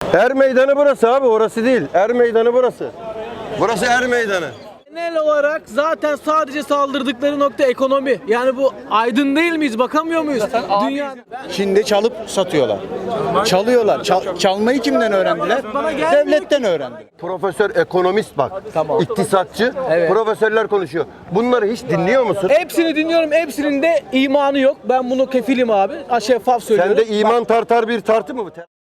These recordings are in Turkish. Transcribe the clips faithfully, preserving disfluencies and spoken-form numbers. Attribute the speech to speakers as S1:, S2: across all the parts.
S1: Er meydanı burası abi, orası değil. Er meydanı burası. Burası er meydanı.
S2: Genel olarak zaten sadece saldırdıkları nokta ekonomi. Yani bu aydın değil miyiz? Bakamıyor muyuz? Dünya
S3: Çin'de çalıp satıyorlar. Çalıyorlar. Çal- çalmayı kimden öğrendiler?
S2: Bana gelmiyor
S3: Devletten öğrendiler.
S1: Profesör ekonomist bak.
S2: Tamam.
S1: İktisatçı.
S2: Evet.
S1: Profesörler konuşuyor. Bunları hiç dinliyor musun?
S2: hepsini dinliyorum. Hepsinin de imanı yok. Ben bunu kefilim abi. Şeffaf söylüyorum.
S1: Sende iman tartar bir tartı mı bu?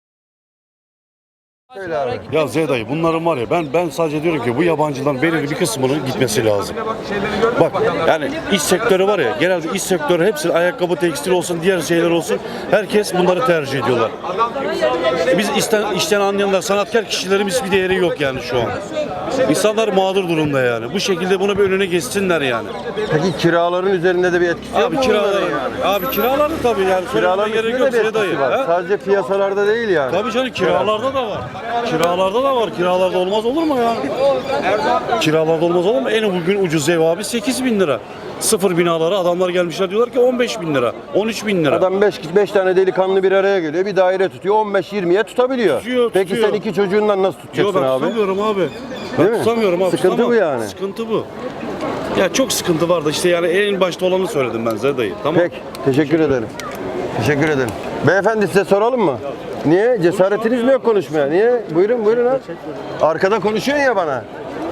S1: Söyle abi.
S4: Ya Z dayı bunların var ya ben ben sadece diyorum ki bu yabancıların belirli bir kısmının gitmesi lazım. Bak yani iş sektörü var ya genelde iş sektörü hepsi ayakkabı tekstil olsun diğer şeyler olsun herkes bunları tercih ediyorlar. Biz işten, işten anlayanlar sanatkar kişilerimiz bir değeri yok yani şu an. İnsanlar mağdur durumda yani. Bu şekilde bunu bir önüne geçsinler yani.
S1: Peki kiraların üzerinde de bir etkisi yok
S4: Abi
S1: mu
S4: kiralar
S1: bunların
S4: yani. Abi kiralar tabii yani.
S1: Kiraların
S4: Söylemeye
S1: üstünde
S4: gerek
S1: de
S4: yok
S1: bir
S4: Z dayı.
S1: etkisi var.
S4: Ha?
S1: Sadece piyasalarda değil yani.
S4: Tabii canım kiralarda da var. Kiralarda da var. Kiralarda olmaz olur mu ya? Kiralarda olmaz olur mu? En bugün ucuz ev abi sekiz bin lira. Sıfır binalara adamlar gelmişler diyorlar ki on beş bin lira, on üç bin lira.
S1: Adam beş tane delikanlı bir araya geliyor. Bir daire tutuyor. on beş yirmiye tutabiliyor.
S4: Tutuyor,
S1: Peki
S4: tutuyor.
S1: sen iki çocuğundan nasıl
S4: Yok
S1: tutacaksın
S4: ben
S1: abi?
S4: tutamıyorum abi.
S1: Değil
S4: Ben
S1: mi?
S4: tutamıyorum abi.
S1: Sıkıntı
S4: tutamam.
S1: bu yani.
S4: Sıkıntı bu. Ya çok sıkıntı vardı işte yani en başta olanı söyledim ben Zerdayı. Tamam.
S1: Peki. Teşekkür ederim. Teşekkür ederim. Beyefendi size soralım mı? Niye? Cesaretiniz mi yok konuşmaya? Niye? Buyurun buyurun abi. Arkada konuşuyorsun ya bana.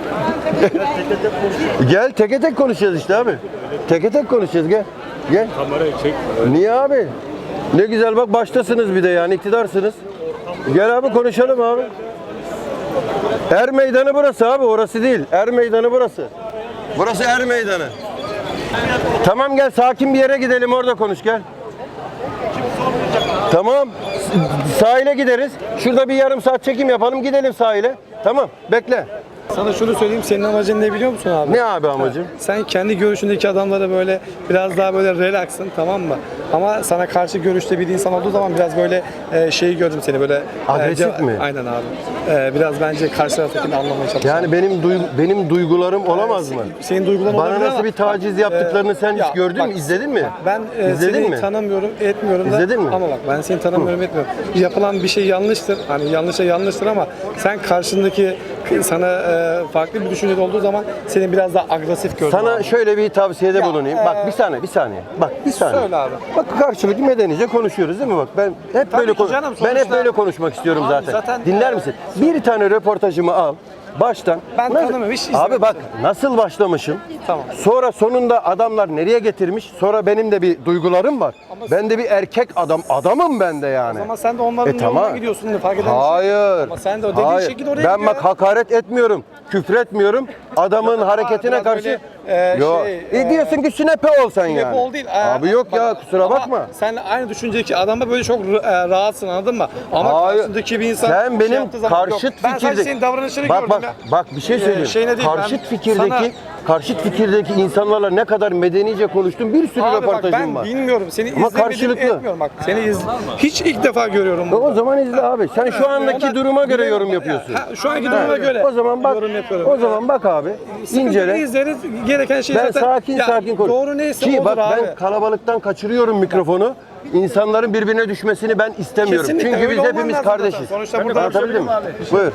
S1: Gel teke tek konuşacağız işte abi. Teke tek konuşacağız gel. Gel.
S4: Kamerayı çek.
S1: Niye abi? Ne güzel bak baştasınız bir de yani iktidarsınız. Gel abi konuşalım abi. Er meydanı burası abi, orası değil. Er meydanı burası. Burası er meydanı. Tamam gel sakin bir yere gidelim orada konuş gel. Tamam. S- Sahile gideriz. Şurada bir yarım saat çekim yapalım gidelim sahile. Tamam bekle.
S5: Sana şunu söyleyeyim, senin amacın ne biliyor musun abi?
S1: Ne abi amacım?
S5: Sen kendi görüşündeki adamlara böyle biraz daha böyle relaxsın, tamam mı? Ama sana karşı görüşte bir insan olduğu zaman biraz böyle e, şeyi gördüm seni böyle.
S1: Agresif
S5: e, ce-
S1: mi?
S5: Aynen abi. E, biraz bence karşı taraftakini anlamaya çalış.
S1: Yani benim duygu- benim duygularım olamaz mı?
S5: Senin duyguların
S1: Bana
S5: olabilir
S1: nasıl
S5: ama-
S1: bir taciz yaptıklarını sen
S5: Ya
S1: hiç gördün
S5: bak,
S1: mü? İzledin mi?
S5: bak, ben e,
S1: İzledin
S5: seni
S1: mi?
S5: tanımıyorum, etmiyorum da.
S1: İzledin mi?
S5: Ama bak ben seni tanımıyorum, etmiyorum. Yapılan bir şey yanlıştır. Hani yanlışa yanlıştır ama sen karşındaki sana e, farklı bir düşünce olduğu zaman seni biraz daha agresif gördüm.
S1: Sana
S5: abi.
S1: şöyle bir tavsiyede
S5: Ya,
S1: bulunayım.
S5: e,
S1: Bak bir saniye, bir saniye. Bak bir saniye.
S5: Söyle abi.
S1: Bak karşılıklı medenice konuşuyoruz değil mi? Bak ben hep
S5: Tabii
S1: böyle
S5: ki
S1: konu-
S5: canım,
S1: ben hep
S5: sonuçta-
S1: böyle konuşmak istiyorum
S5: Abi
S1: zaten.
S5: zaten,
S1: Dinler
S5: e,
S1: misin? Bir tane röportajımı al. Baştan.
S5: Ben
S1: Nasıl-
S5: tanımıyorum, hiç
S1: Abi
S5: izlemedim.
S1: bak nasıl başlamışım.
S5: Tamam.
S1: Sonra sonunda adamlar nereye getirmiş? Sonra benim de bir duygularım var. Ben de bir erkek adam. Adamım ben de yani.
S5: Ama sen de onların
S1: E,
S5: yoluna
S1: tamam.
S5: gidiyorsun fark eden bir şey.
S1: Hayır.
S5: Ama sen de o dediğin
S1: Hayır.
S5: şekilde oraya
S1: Ben
S5: gidiyor.
S1: bak hakaret etmiyorum. Küfür etmiyorum. Adamın hareketine
S5: biraz
S1: karşı.
S5: böyle, e,
S1: Yok.
S5: şey,
S1: e,
S5: e,
S1: diyorsun ki sünepe ol sen yani.
S5: Hep ol değil. Ee,
S1: Abi yok
S5: bak,
S1: ya kusura
S5: ama
S1: bakma.
S5: Sen aynı düşüncedeki adamla böyle çok e, rahatsın, anladın mı? Ama
S1: Hayır.
S5: karşındaki bir insan
S1: Sen
S5: şey
S1: benim
S5: yaptığı zaman-
S1: karşıt
S5: Yok, ben sadece
S1: fikirde.
S5: senin davranışını
S1: bak,
S5: gördüm
S1: bak,
S5: ya.
S1: Bak bir şey
S5: Ee,
S1: söyleyeyim.
S5: şeyine değil,
S1: karşıt
S5: ben
S1: fikirdeki
S5: sana-
S1: karşıt fikirdeki insanlarla ne kadar medenice konuştum. Bir sürü
S5: Abi bak
S1: röportajım
S5: ben
S1: var.
S5: bilmiyorum. Seni
S1: Ama
S5: izlemedim,
S1: karşılıklı.
S5: etmiyorum bak. Seni iz... Hiç ilk defa görüyorum
S1: E,
S5: bunu.
S1: O zaman izle abi. Sen şu andaki
S5: Ona-
S1: duruma göre
S5: Biliyorum,
S1: yorum yapıyorsun.
S5: Ha, şu anki duruma göre.
S1: O zaman bak.
S5: yorum yapıyorum.
S1: O zaman bak abi.
S5: Sıkıntı
S1: İncele.
S5: izleriz. Gereken şey
S1: Ben
S5: zaten.
S1: sakin
S5: Ya,
S1: sakin konuş.
S5: Doğru neyse
S1: Ki
S5: odur
S1: bak
S5: abi.
S1: ben kalabalıktan kaçırıyorum mikrofonu. İnsanların birbirine düşmesini ben istemiyorum.
S5: Kesinlikle,
S1: Çünkü
S5: öyle
S1: biz
S5: olman
S1: hepimiz
S5: lazım
S1: kardeşiz.
S5: zaten. Sonuçta burada-
S1: Anlatabildim mi? Buyur.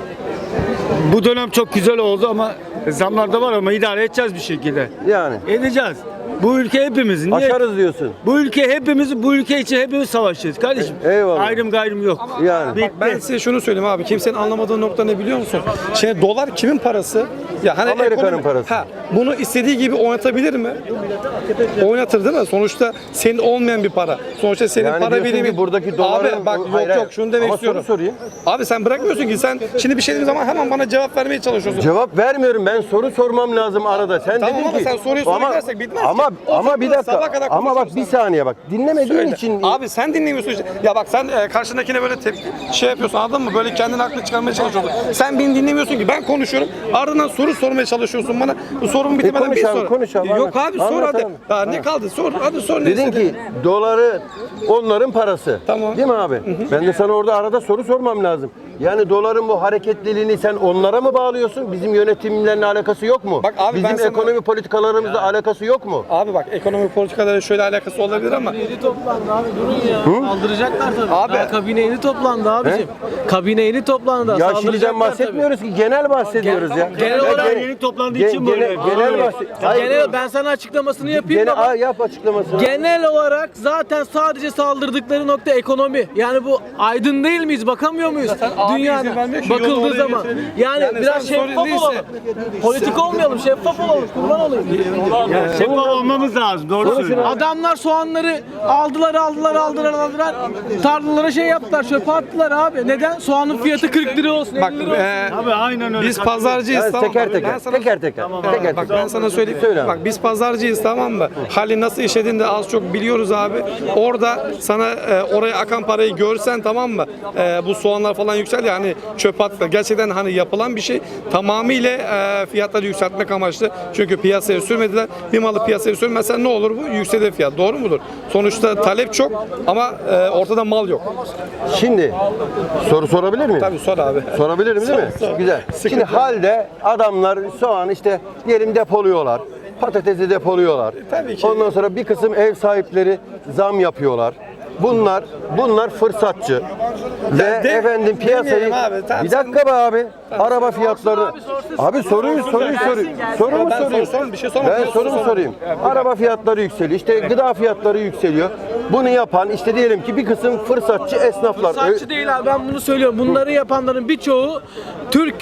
S6: Bu dönem çok güzel oldu ama zamlar da var ama idare edeceğiz bir şekilde.
S1: Yani
S6: Edeceğiz. Bu ülke hepimizin. Niye?
S1: aşarız diyorsun.
S6: Bu ülke hepimiz, bu ülke için hepimiz savaşacağız kardeşim.
S1: Eyvallah.
S6: Ayrım gayrım yok.
S1: Yani.
S6: Bitti.
S5: Ben size şunu söyleyeyim abi. Kimsenin anlamadığı nokta ne biliyor musun? Şimdi dolar kimin parası? Ya hani
S1: Amerika'nın
S5: ekonomi-
S1: parası.
S5: Ha, bunu istediği gibi oynatabilir mi? Oynatır değil mi? Sonuçta senin olmayan bir para. Sonuçta senin
S1: Yani
S5: para
S1: diyorsun
S5: birimi.
S1: ki buradaki doların-
S5: Abi bak
S1: Hayır,
S5: yok
S1: hayır.
S5: yok şunu demek
S1: Ama
S5: istiyorum.
S1: soru sorayım.
S5: Abi sen bırakmıyorsun ki sen şimdi bir şey dediğim zaman hemen bana cevap vermeye çalışıyorsun.
S1: Cevap vermiyorum. Ben soru sormam lazım arada. Sen
S5: Tamam
S1: dedin
S5: ama
S1: ki
S5: sen soruyu soru
S1: ama,
S5: gidersek bitmez ki.
S1: ama
S5: O
S1: ama bir
S5: zaman
S1: dakika.
S5: sabaha kadar
S1: Ama bak
S5: konuşuruz
S1: bir
S5: sen.
S1: saniye bak. Dinlemediğin
S5: Söyle.
S1: için
S5: Abi sen dinlemiyorsun işte. Ya bak sen e, karşındakine böyle tepki şey yapıyorsun, anladın mı? Böyle kendini haklı çıkarmaya çalışıyorsun. Sen beni dinlemiyorsun ki. Ben konuşuyorum. Ardından soru sormaya çalışıyorsun bana. Bu sorun bitemeden
S1: konuş
S5: bir
S1: abi,
S5: sor.
S1: konuş abi,
S5: Yok
S1: anlat.
S5: abi sor
S1: Anlat
S5: hadi.
S1: abi.
S5: Daha ne kaldı? Sor. Hadi sor ne
S1: dedin
S5: istedin?
S1: ki doları onların parası.
S5: Tamam.
S1: Değil mi abi? Ben de sana orada arada soru sormam lazım. Yani doların bu hareketliliğini sen onlara mı bağlıyorsun? Bizim yönetimlerle alakası yok mu?
S5: Bak abi,
S1: Bizim
S5: ben sana-
S1: ekonomi politikalarımızla alakası yok mu?
S5: Abi bak, ekonomi politikaları şöyle alakası olabilir ama
S2: Yeni toplandı abi, durun ya. Saldıracaklar tabii.
S5: Abi-
S2: Daha kabine yeni toplandı abicim. Kabine yeni toplandı.
S1: Ya
S2: Saldıracaklar
S1: şimdiden
S2: tabii.
S1: bahsetmiyoruz ki genel bahsediyoruz
S2: Gen-
S1: ya.
S2: genel
S1: Ya
S2: olarak
S1: gen-
S6: yeni toplandığı
S1: gen-
S6: için böyle.
S1: genel, genel bahset. Hayır.
S2: Genel, ben sana açıklamasını yapayım
S1: Gene,
S2: ama
S1: Aa, yap açıklamasını.
S2: genel olarak zaten sadece saldırdıkları nokta ekonomi. Yani bu aydın değil miyiz? Bakamıyor muyuz?
S5: abi
S2: Dünyada
S5: izin vermiyor ki, yolu
S2: bakıldığı
S5: oraya
S2: zaman.
S5: getirelim.
S2: Yani,
S5: Yani
S2: biraz
S5: sen sorun
S2: şeffaf
S5: değilse-
S2: olalım. Politik olmayalım, şeffaf olalım. Kurban olayım.
S6: Şeffaf olmamız lazım. Doğru söylüyorsun.
S2: Adamlar soğanları aldılar, aldılar, aldılar, aldılar. Tarlalara şey yaptılar, çöpe attılar abi. Neden? Soğanın fiyatı kırk lira olsun,
S5: bak
S2: elli lira olsun.
S5: e,
S6: Abi aynen öyle.
S5: biz pazarcıyız,
S1: Yani
S5: tamam
S1: teker
S5: mı?
S1: teker,
S5: Ben sana-
S1: teker teker, teker
S5: Bak
S1: teker.
S5: ben sana söyleyeyim.
S1: Söyle abi.
S5: Bak biz pazarcıyız, tamam mı? Hali nasıl işlediğini de az çok biliyoruz abi. Orada sana e, oraya akan parayı görsen, tamam mı? E, bu soğanlar falan yükseldi, yani çöp attılar. Gerçekten hani yapılan bir şey, tamamıyla e, fiyatları yükseltmek amaçlı. Çünkü piyasaya sürmediler. Bir malı piyasaya sürmezsen ne olur bu? Yükselir fiyat. Doğru mudur? Sonuçta talep çok ama e, ortada mal yok.
S1: Şimdi soru sorabilir miyim?
S5: Tabii sor abi.
S1: Sorabilirim değil mi? Güzel. Şimdi halde adamlar soğan işte diyelim depoluyorlar. Patatesi depoluyorlar.
S5: tabii ki.
S1: Ondan sonra bir kısım ev sahipleri zam yapıyorlar. Bunlar bunlar fırsatçı. Ve
S5: de-
S1: efendim piyasayı
S5: demeyelim abi, tamam,
S1: bir dakika be abi. Araba fiyatları. Abi soruyu soruyu soruyu. Soru mu
S5: Ben
S1: sorayım?
S5: sor- sor, bir şey sorma.
S1: Ben
S5: Sor,
S1: sorumu
S5: sor.
S1: sorayım. Araba fiyatları yükseliyor. İşte gıda fiyatları yükseliyor. Bunu yapan işte diyelim ki bir kısım fırsatçı esnaflar.
S2: Fırsatçı değil abi, ben bunu söylüyorum. Bunları yapanların birçoğu Türk.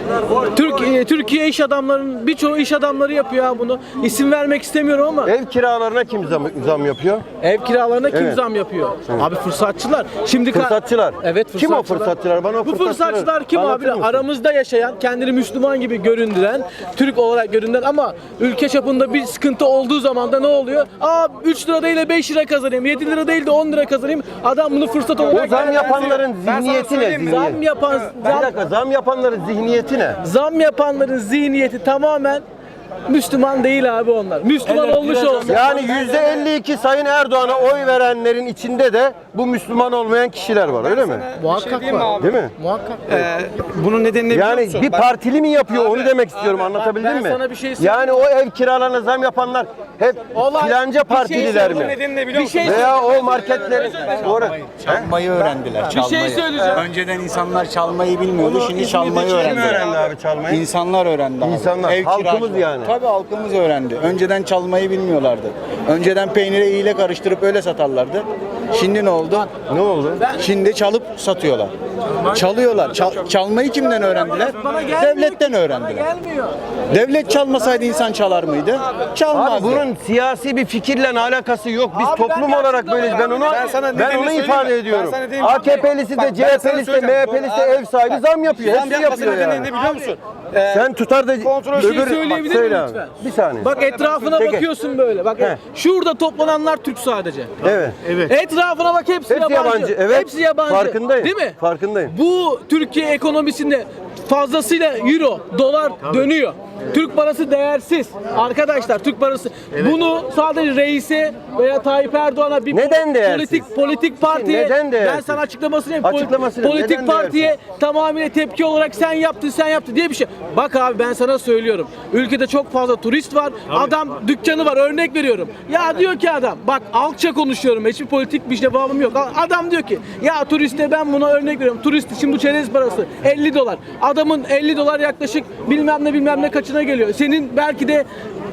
S2: Türkiye Türkiye iş adamlarının birçoğu iş adamları yapıyor abi bunu. İsim vermek istemiyorum ama
S1: Ev kiralarına kim zam, zam yapıyor?
S2: ev kiralarına kim
S1: Evet.
S2: zam yapıyor? Abi fırsatçılar. Şimdi ka-
S1: Fırsatçılar.
S2: Evet,
S1: Kim o
S2: fırsatçılar.
S1: fırsatçılar? Bana o
S2: Bu
S1: fırsatçıları
S2: fırsatçılar kim abi?
S1: anlatır mısın?
S2: Aramızda yaşayan, kendini Müslüman gibi göründüren, Türk olarak göründüren ama ülke çapında bir sıkıntı olduğu zaman da ne oluyor? Aa üç lira değil de beş lira kazanayım, yedi lira değil de on lira kazanayım. Adam bunu fırsat
S1: O
S2: olarak...
S1: zam yapanların
S5: Ben sana
S1: zihniyeti ne?
S5: söyleyeyim mi?
S1: Zihniyet.
S2: Zam yapan,
S1: Bir
S2: zam,
S1: dakika, zam yapanların zihniyeti ne?
S2: zam yapanların zihniyeti tamamen Müslüman değil abi onlar. Müslüman olmuş olsa.
S1: Yani yüzde elli iki Sayın Erdoğan'a oy verenlerin içinde de bu Müslüman olmayan kişiler var, öyle mi?
S2: Muhakkak
S5: diyeyim mi
S2: var.
S5: abi?
S1: Değil mi?
S2: Muhakkak.
S5: Ee, bunun nedenini biliyor
S1: Yani
S5: musun?
S1: bir
S5: Bak-
S1: partili mi yapıyor
S5: Abi,
S1: onu demek istiyorum,
S5: abi,
S1: anlatabildim
S2: ben
S1: mi?
S2: sana bir şey söyleyeyim.
S1: Yani o ev kiralarına zam yapanlar hep
S2: Olay-
S1: filanca
S2: bir şey
S1: partililer
S5: Bunun
S1: mi?
S5: nedenini biliyor
S2: Bir
S5: musun?
S2: şey
S1: Veya o marketlerin... Doğru.
S3: Çalmayı öğrendiler.
S2: Bir şey
S3: Çalmayı.
S2: söyleyeceğim.
S3: Önceden insanlar çalmayı bilmiyordu. Şimdi çalmayı
S1: Kim
S3: öğrendiler.
S1: öğrendi abi çalmayı?
S3: İnsanlar öğrendi abi.
S1: İnsanlar, halkımız
S3: kiracıları.
S1: yani.
S3: Tabii halkımız öğrendi. Önceden çalmayı bilmiyorlardı. Önceden peynire iğne karıştırıp öyle satarlardı. Şimdi ne oldu?
S1: Ne oldu?
S3: Şimdi çalıp satıyorlar. Çalıyorlar. Çal- çalmayı kimden öğrendiler?
S2: Bana gelmiyor
S3: Devletten
S2: ki,
S3: öğrendiler.
S2: Bana gelmiyor.
S3: Devlet çalmasaydı insan çalar mıydı? Çalmazdı.
S1: Abi bunun siyasi bir fikirle alakası yok. Biz
S2: Abi
S1: toplum
S2: ben
S1: olarak böyleyiz. Ben onu
S5: Ben sana
S1: ben
S5: nedenini
S1: onu
S5: söyleyeyim
S1: ifade
S5: mi?
S1: ediyorum.
S5: Ben sana diyeyim.
S1: A K P'lisi de,
S5: Bak, ben
S1: C H
S5: sana
S1: P'lisi de,
S5: söyleyeceğim.
S1: M H P'lisi de ev sahibi zam yapıyor.
S5: Zam
S1: Hepsi
S5: yapmasının
S1: yapıyor
S5: nedenini
S1: yani.
S5: biliyor musun? Ee,
S1: Sen tutar da
S5: Kontrol-
S2: Bir şey
S1: öbür-
S2: söyleyebilir
S1: Söyle
S2: miyim
S1: abi.
S2: lütfen?
S1: Bir saniye.
S2: Bak etrafına
S1: Peki.
S2: bakıyorsun böyle. Bak
S1: He.
S2: şurada toplananlar Türk sadece.
S1: Evet.
S2: Etrafına bak, hepsi,
S1: Hepsi
S2: yabancı.
S1: yabancı. Evet.
S2: Hepsi yabancı.
S1: Farkındayım.
S2: Değil mi?
S1: Farkındayım.
S2: Bu Türkiye ekonomisinde fazlasıyla euro, dolar dönüyor. Türk parası değersiz. Arkadaşlar Türk parası. Bunu sadece reise veya Tayyip Erdoğan'a bir
S1: Neden değersiz?
S2: politik politik partiye
S1: Neden değersiz?
S2: ben sana açıklamasını yapayım.
S1: Açıklamasını,
S2: Politik
S1: neden
S2: partiye
S1: değersiz?
S2: tamamıyla tepki olarak sen yaptın sen yaptın diye bir şey. Bak abi ben sana söylüyorum. Ülkede çok fazla turist var. Adam dükkanı var, örnek veriyorum. Ya diyor ki adam, bak alçak konuşuyorum. Hiçbir politik bir şey bağımım yok. Adam diyor ki ya turiste ben buna örnek veriyorum. Turist için bu çerez parası elli dolar. Adamın elli dolar yaklaşık bilmem ne bilmem ne kaçına geliyor. Senin belki de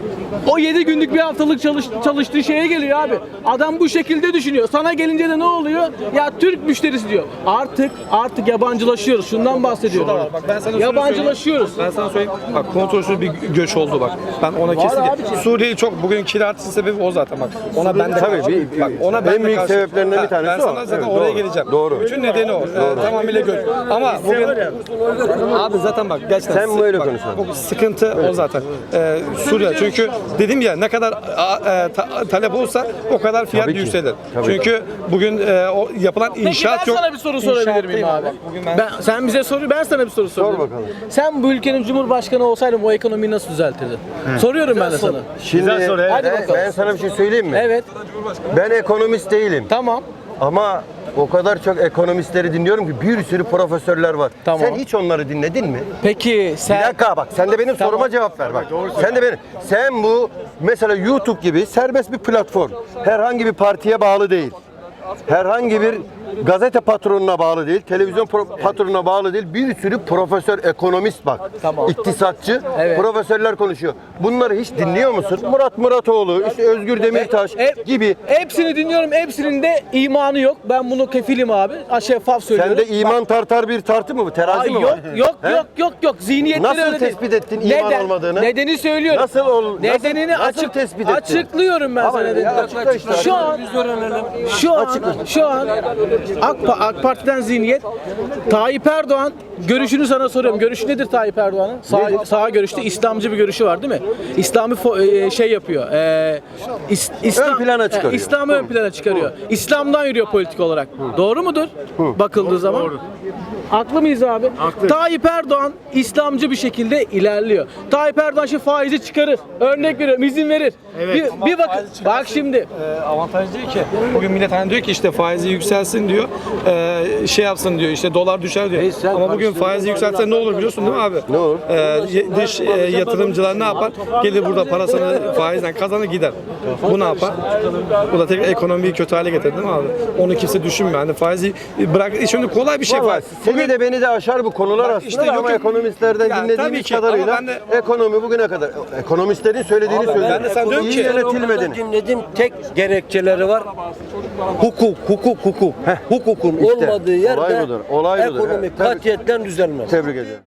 S2: o yedi günlük bir haftalık çalış, çalıştığı şeye geliyor abi. Adam bu şekilde düşünüyor. Sana gelince de ne oluyor? Ya Türk müşterisi diyor. Artık artık yabancılaşıyoruz. Şundan bahsediyorum.
S5: Bak ben sana şunu
S2: Yabancılaşıyoruz.
S5: söyleyeyim. Ben sana söyleyeyim. Bak kontrolsüz bir göç oldu bak. Ben ona kesin.
S2: abiciğim.
S5: Suriye'yi çok bugün kirartısı sebebi o zaten bak. Ona ben de
S1: Tabii,
S5: karşı-
S1: bir-
S5: bak ona
S1: en
S5: ben de
S1: büyük
S5: karşı-
S1: sebeplerinden bir
S5: Ha,
S1: tanesi
S5: ben
S1: o.
S5: sana zaten
S1: Evet,
S5: oraya
S1: doğru.
S5: geleceğim.
S1: Doğru.
S5: Bütün nedeni o. Ee, tamamıyla göç. Ama bugün abi zaten bak gerçekten
S1: Sen böyle
S5: bak,
S1: konuşuyorsun.
S5: bu sıkıntı o zaten. Ee, Suriye çünkü dedim ya ne kadar a, e, ta- talep olsa o kadar fiyat
S1: Tabii ki.
S5: yükselir.
S1: Tabii.
S5: Çünkü bugün e, o yapılan
S2: Peki
S5: inşaat
S2: ben
S5: yok.
S2: sana bir soru sorabilir miyim
S5: İnşaattayım
S2: abi?
S5: Bugün ben,
S2: Ben, sen bize soru, ben sana bir soru sorayım.
S1: bakalım.
S2: Sen bu ülkenin cumhurbaşkanı olsaydın o ekonomiyi nasıl düzeltirdin? Soruyorum ben de sana.
S1: Şimdi
S6: Güzel soru, evet.
S2: Hadi
S1: ben,
S2: bakalım.
S1: ben sana bir şey söyleyeyim mi?
S2: Evet,
S1: Ben ekonomist değilim.
S2: tamam.
S1: Ama O kadar çok ekonomistleri dinliyorum ki bir sürü profesörler var.
S2: Tamam.
S1: Sen hiç onları dinledin mi?
S2: Peki sen...
S1: Bir dakika bak sen de benim
S2: Tamam.
S1: soruma cevap ver bak. Sen de benim. Sen bu mesela YouTube gibi serbest bir platform. Herhangi bir partiye bağlı değil. Herhangi bir gazete patronuna bağlı değil, televizyon pro- patronuna bağlı değil. Bir sürü profesör, ekonomist bak.
S2: Tamam.
S1: İktisatçı,
S2: Evet.
S1: profesörler konuşuyor. Bunları hiç dinliyor musun? Murat Muratoğlu, işte Özgür Demirtaş
S2: Hep-
S1: gibi.
S2: Hepsini dinliyorum. Hepsinin de imanı yok. Ben bunu kefilim abi. Ha, şeffaf söylüyorum.
S1: Sende iman tartar bir tartı mı bu? Terazi
S2: Ay,
S1: mi
S2: yok,
S1: var?
S2: yok,
S1: He?
S2: yok, yok, yok. Zihniyetleri
S1: Nasıl
S2: öyle değil.
S1: tespit ettin iman olmadığını?
S2: Nedeni söylüyorum.
S1: Nasıl ol-
S2: Nedenini
S1: nasıl- nasıl
S2: açık
S1: tespit ettin?
S2: açıklıyorum ben
S1: Ama
S2: sana.
S1: ya,
S2: nedenini.
S1: açıkla işte.
S2: Şu an şu an şu an AK, Pa- AK Parti'den zihniyet Tayyip Erdoğan görüşünü sana soruyorum. Görüşü nedir Tayyip Erdoğan'ın? Sağ, sağ görüşte İslamcı bir görüşü var değil mi? İslami fo- e, şey yapıyor. E, is- İslam,
S1: Ön plana çıkarıyor.
S2: e, İslam'ı ön plana çıkarıyor. İslam'dan yürüyor politik olarak. Doğru mudur? Bakıldığı zaman. Doğru. Haklı mıyız abi? Tayyip Erdoğan İslamcı bir şekilde ilerliyor. Tayyip Erdoğan şimdi faizi çıkarır. Örnek veriyorum, izin verir. Bir, bir bakın. Bak şimdi.
S5: E, avantaj değil ki. Bugün millet hani diyor ki işte faizi yükselsin diyor. E, şey yapsın diyor işte dolar düşer diyor. Ama bugün faizi yükseltse ne olur biliyorsun değil mi abi?
S1: Ne olur?
S5: E, ye- dış e, yatırımcılar ne yapar? Gelir burada parasını faizden kazanır gider. Bu ne yapar? Bu da tekrar ekonomiyi kötü hale getirir değil mi abi? Onu kimse düşünmüyor. Hani faizi bırak. Şimdi kolay bir şey
S1: Vallahi
S5: var.
S1: seni de beni de aşar bu konular aslında
S5: işte
S1: da
S5: yok
S1: ama
S5: yok.
S1: ekonomistlerden
S5: Ya tabii
S1: dinlediğimiz
S5: ki, ama
S1: kadarıyla
S5: ben de-
S1: ekonomi bugüne kadar ekonomistlerin söylediğini söylüyorum.
S5: ben de sen diyorum
S1: İyi
S5: ki-
S1: yönetilmediğini.
S7: Dinledim tek gerekçeleri var. Hukuk, hukuk, hukuk. Hukukun
S1: İşte,
S7: olmadığı yerde
S1: olay budur, olay budur.
S7: ekonomi
S1: Evet, tabii.
S7: katiyetten düzelmez.
S1: Tebrik ederim.